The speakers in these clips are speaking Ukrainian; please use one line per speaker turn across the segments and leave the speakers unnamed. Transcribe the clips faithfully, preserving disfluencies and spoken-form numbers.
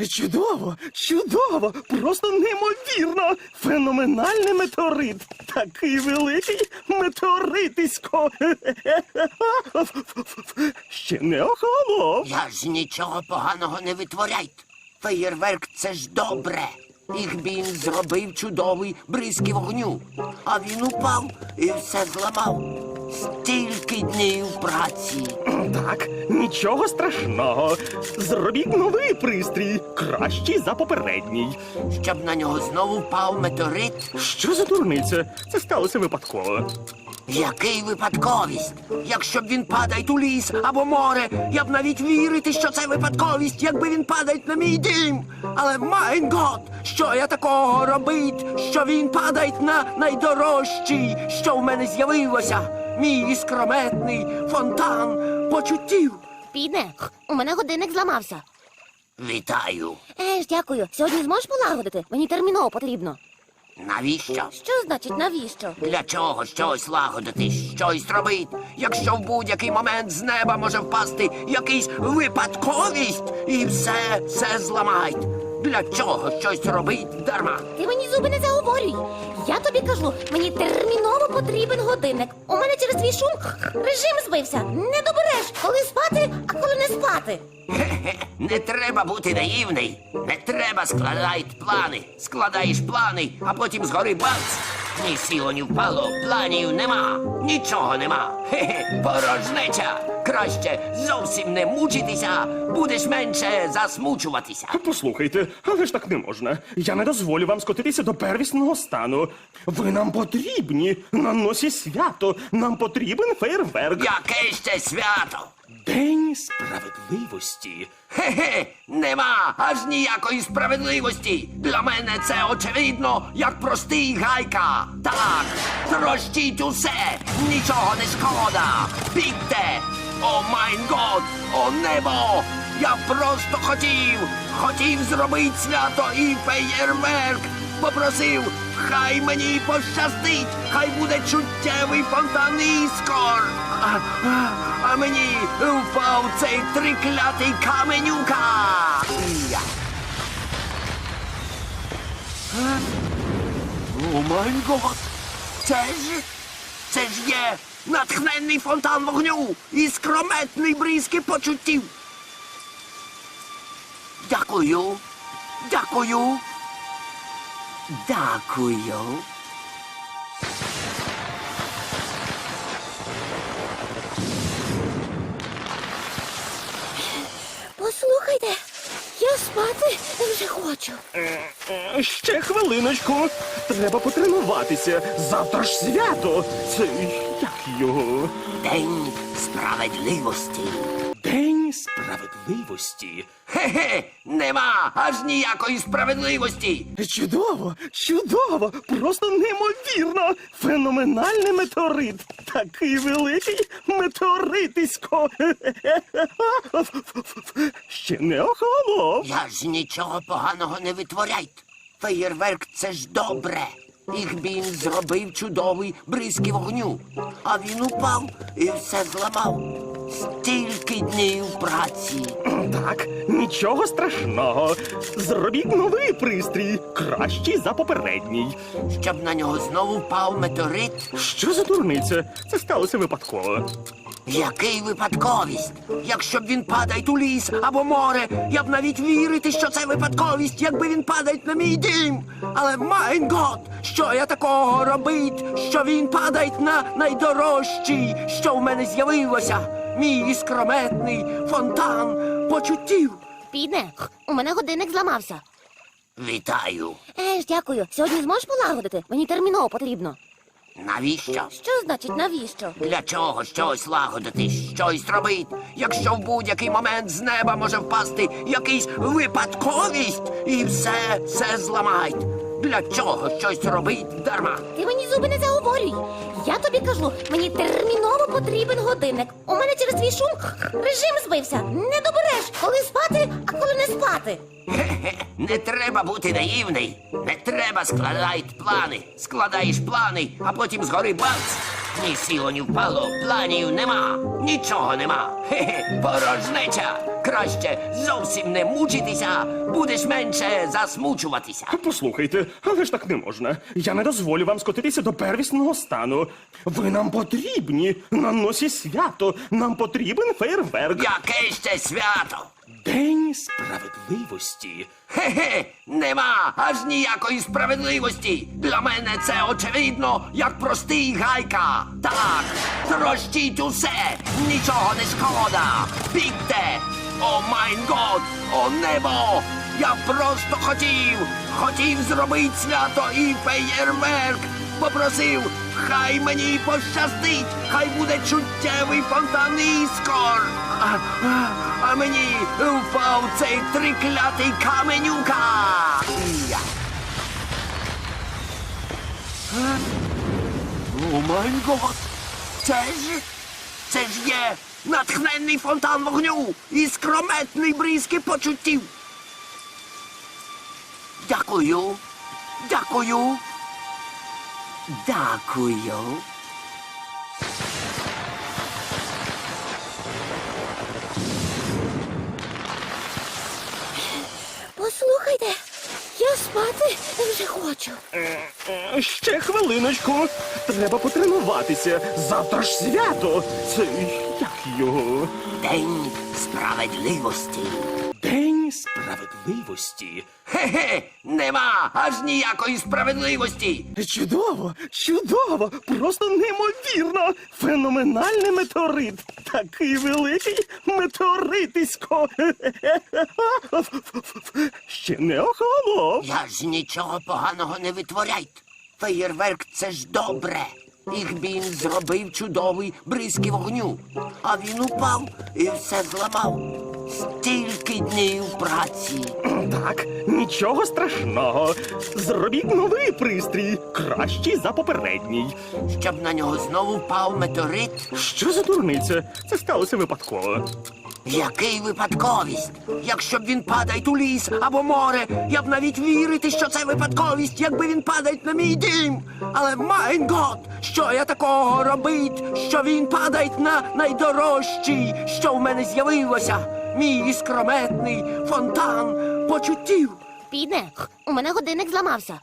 Чудово, чудово, просто неймовірно. Феноменальний метеорит. Такий великий метеоритисько. Ще не охолонув.
Я ж нічого поганого не витворяйте. Феєрверк – це ж добре. Ігбін зробив чудовий бризки вогню. А він упав і все зламав. Стільки днів праці.
Так, нічого страшного. Зробіть новий пристрій, кращий за попередній.
Щоб на нього знову впав метеорит?
Що за дурниця? Це сталося випадково.
Який випадковість? Якщо б він падає у ліс або море, я б навіть вірити, що це випадковість, якби він падає на мій дім. Але, майн гот, що я такого робить, що він падає на найдорожчий, що в мене з'явилося? Мій іскрометний фонтан почуттів.
Піде, у мене годинник зламався.
Вітаю.
Еж, дякую. Сьогодні зможеш полагодити? Мені терміново потрібно.
Навіщо?
Що значить навіщо?
Для чого щось лагодити, щось робити, якщо в будь-який момент з неба може впасти якийсь випадковість і все, все зламають? Для чого щось робить дарма?
Ти мені зуби не заговорюй. Я тобі кажу, мені терміново потрібен годинник. У мене через твій шум режим збився. Не добереш, коли спати, а коли не спати.
Хе-хе, не треба бути наївний. Не треба складати плани. Складаєш плани, а потім згори бац. Ні сіло, ні впало, планів нема. Нічого нема. Хе-хе, порожнеча. Краще зовсім не мучитися, будеш менше засмучуватися.
Послухайте, але ж так не можна. Я не дозволю вам скотитися до первісного стану. Ви нам потрібні. На носі свято. Нам потрібен фейерверк.
Яке ще свято?
День справедливості.
Хе-хе, нема аж ніякої справедливості. Для мене це очевидно, як простий гайка. Так, трощіть усе, нічого не шкода. Бігте! О майн год, о небо! Я просто хотів, хотів зробити свято і феєрверк. Попросив, хай мені пощастить, хай буде чуттєвий фонтан іскор. А, а, а мені впав цей триклятий каменюка. Я. Е? О май гот! Це ж, це ж є натхненний фонтан вогню і скрометний бризки почуттів. Дякую, дякую, дякую.
Послухайте, я спати вже хочу.
Е, Ще хвилиночку. Треба потренуватися. Завтра ж свято. Це як його?
День справедливості.
День справедливості.
Хе-хе, нема аж ніякої справедливості.
Чудово, чудово, просто неймовірно. Феноменальний метеорит. Такий великий метеоритисько. Ще не охолонув.
Я ж нічого поганого не витворяйте. Феєрверк – це ж добре. Ігбін зробив чудовий бризки вогню. А він упав і все зламав. Стільки днів праці.
Так, нічого страшного. Зробіть новий пристрій, кращий за попередній.
Щоб на нього знову впав метеорит?
Що за дурниця? Це сталося випадково.
Який випадковість? Якщо б він падає у ліс або море, я б навіть вірити, що це випадковість, якби він падає на мій дім. Але, майн гот, що я такого робить, що він падає на найдорожчий, що в мене з'явилося? Мій іскрометний фонтан почуттів.
Піде, у мене годинник зламався.
Вітаю.
Еж, дякую. Сьогодні зможеш полагодити? Мені терміново потрібно.
Навіщо?
Що значить навіщо?
Для чого щось лагодити, щось робити, якщо в будь-який момент з неба може впасти якийсь випадковість і все, все зламають? Для чого щось робить дарма?
Ти мені зуби не заговорюй. Я тобі кажу, мені терміново потрібен годинник. У мене через твій шум режим збився. Не добереш, коли спати, а коли не спати.
Хе-хе, не треба бути наївний. Не треба складати плани. Складаєш плани, а потім згори бац. Ні сіло, ні впало, планів нема. Нічого нема. Хе-хе, порожнеча. Краще зовсім не мучитися, будеш менше засмучуватися.
Послухайте, але ж так не можна. Я не дозволю вам скотитися до первісного стану. Ви нам потрібні на носі свято. Нам потрібен фейерверк.
Яке ще свято?
День справедливості.
Хе-хе, нема аж ніякої справедливості. Для мене це очевидно, як простий гайка. Так, трощіть усе, нічого не шкода. Бігте! О майн год, о небо! Я просто хотів, хотів зробити свято і феєрверк. Попросив, хай мені пощастить, хай буде чуттєвий фонтан іскор. А, а, а мені впав цей триклятий каменюка. Я. Е? О май гот! Це ж, це ж є натхненний фонтан вогню і скрометний бризки почуттів. Дякую, дякую. Дякую.
Послухайте, я спати вже хочу.
Е, Ще хвилиночку. Треба потренуватися. Завтра ж свято. Це як його?
День справедливості.
День справедливості.
Хе-хе, нема аж ніякої справедливості.
Чудово, чудово, просто неймовірно. Феноменальний метеорит. Такий великий метеоритисько. Ще не охолонув.
Я ж нічого поганого не витворяйте. Феєрверк — це ж добре. Їх він зробив чудовий бризки вогню. А він упав і все зламав. Стільки днів праці.
Так, нічого страшного. Зробіть новий пристрій, кращий за попередній.
Щоб на нього знову впав метеорит.
Що за дурниця? Це сталося випадково.
Який випадковість? Якщо б він падає у ліс або море, я б навіть вірити, що це випадковість, якби він падає на мій дім. Але майн гот, що я такого робить, що він падає на найдорожчий, що в мене з'явилося. Мій іскрометний фонтан почуттів.
Підне, у мене годинник зламався.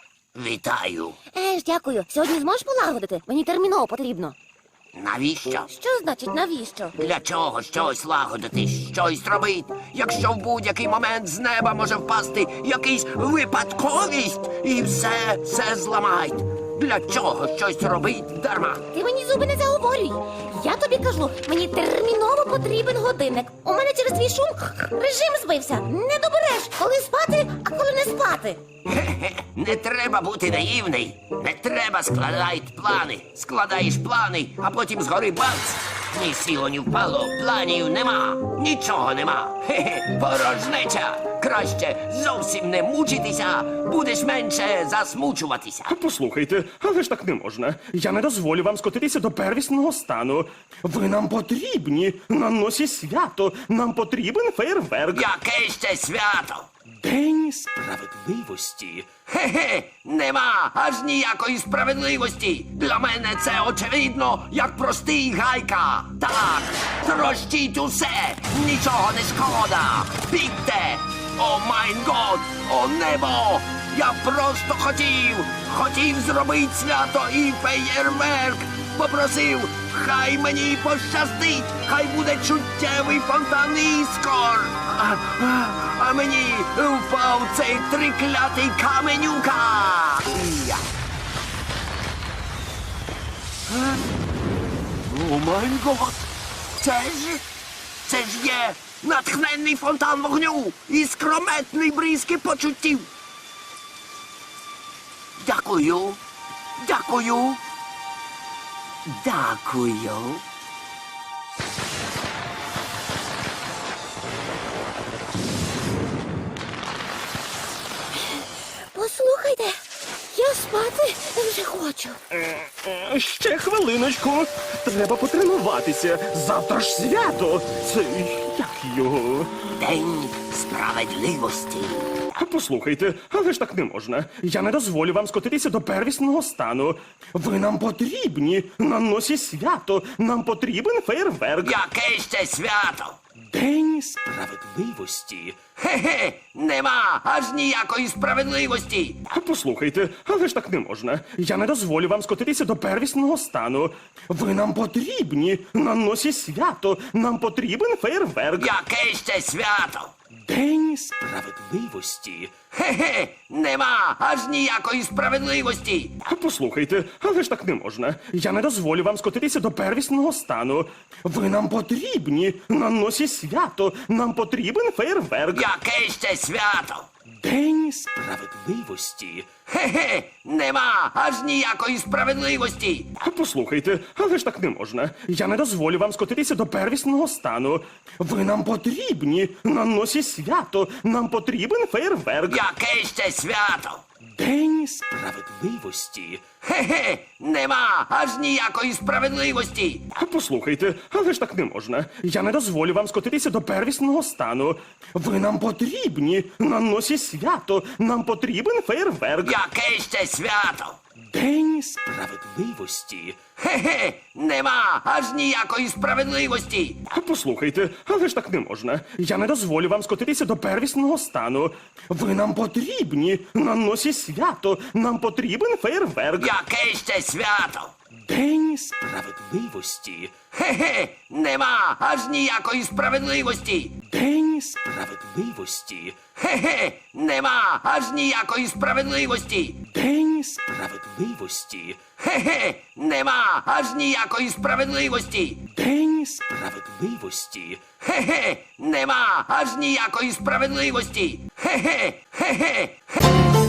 Вітаю.
Е, ж дякую. Сьогодні зможеш полагодити? Мені терміново потрібно.
Навіщо?
Що значить навіщо?
Для чого щось лагодити, щось робити, якщо в будь-який момент з неба може впасти якийсь випадковість і все, все зламають? Для чого щось робить дарма?
Ти мені зуби не заговорюй. Я тобі кажу, мені терміново потрібен годинник. У мене через твій шум режим збився. Не добереш, коли спати, а коли не спати.
Хе-хе, не треба бути наївний. Не треба складати плани. Складаєш плани, а потім згори бац. Ні сіло, ні впало, планів нема. Нічого нема. Хе-хе, порожнеча. Краще зовсім не мучитися, будеш менше засмучуватися.
Послухайте, але ж так не можна. Я не дозволю вам скотитися до первісного стану. Ви нам потрібні на носі свято. Нам потрібен фейерверк.
Яке ще свято?
День справедливості.
Хе-хе, нема аж ніякої справедливості. Для мене це очевидно, як простий гайка. Так, трощіть усе, нічого не шкода. Бігте! О майн год, о небо! Я просто хотів, хотів зробити свято і феєрверк. Попросив, хай мені пощастить, хай буде чуттєвий фонтан іскор. А, а, а мені впав цей триклятий каменюка. Я. Е? О май гот! Це ж, це ж є натхненний фонтан вогню і скрометний бризки почуттів. Дякую, дякую, дякую.
Послухайте, я спати вже хочу.
Е, Ще хвилиночку. Треба потренуватися. Завтра ж свято. Це як його?
День справедливості.
Послухайте, але ж так не можна. Я не дозволю вам скотитися до первісного стану. Ви нам потрібні на носі свято. Нам потрібен фейерверк.
Яке ще свято?
День
Справедливості? Хе-хе, нема аж ніякої справедливості.
Послухайте, але ж так не можна. Я не дозволю вам скотитися до первісного стану. Ви нам потрібні на носі свято. Нам потрібен фейерверк.
Яке ще свято?
День
Справедливості? Хе-хе, нема аж ніякої справедливості.
Послухайте, але ж так не можна. Я не дозволю вам скотитися до первісного стану. Ви нам потрібні на носі свято. Нам потрібен фейерверк.
Яке ще свято?
День
Справедливості? Хе-хе, нема аж ніякої справедливості.
Послухайте, але ж так не можна. Я не дозволю вам скотитися до первісного стану. Ви нам потрібні на носі свято. Нам потрібен фейерверк.
Яке ще свято?
День
Справедливості? Хе-хе, нема аж ніякої справедливості.
Послухайте, але ж так не можна. Я не дозволю вам скотитися до первісного стану. Ви нам потрібні на носі свято. Нам потрібен фейерверк.
Яке ще свято?
День
Справедливості? Хе-хе, нема аж ніякої справедливості.
Послухайте, але ж так не можна. Я не дозволю вам скотитися до первісного стану. Ви нам потрібні на носі свято. Нам потрібен фейерверк.
Яке ще свято?
День
Справедливості? Хе-хе, нема аж ніякої справедливості.
День
Справедливості? Хе-хе, нема аж ніякої справедливості.
День
Справедливості? Хе-хе, нема аж ніякої справедливості.
День
Справедливості? Хе-хе, нема аж ніякої справедливості. Хе-хе, хе-хе.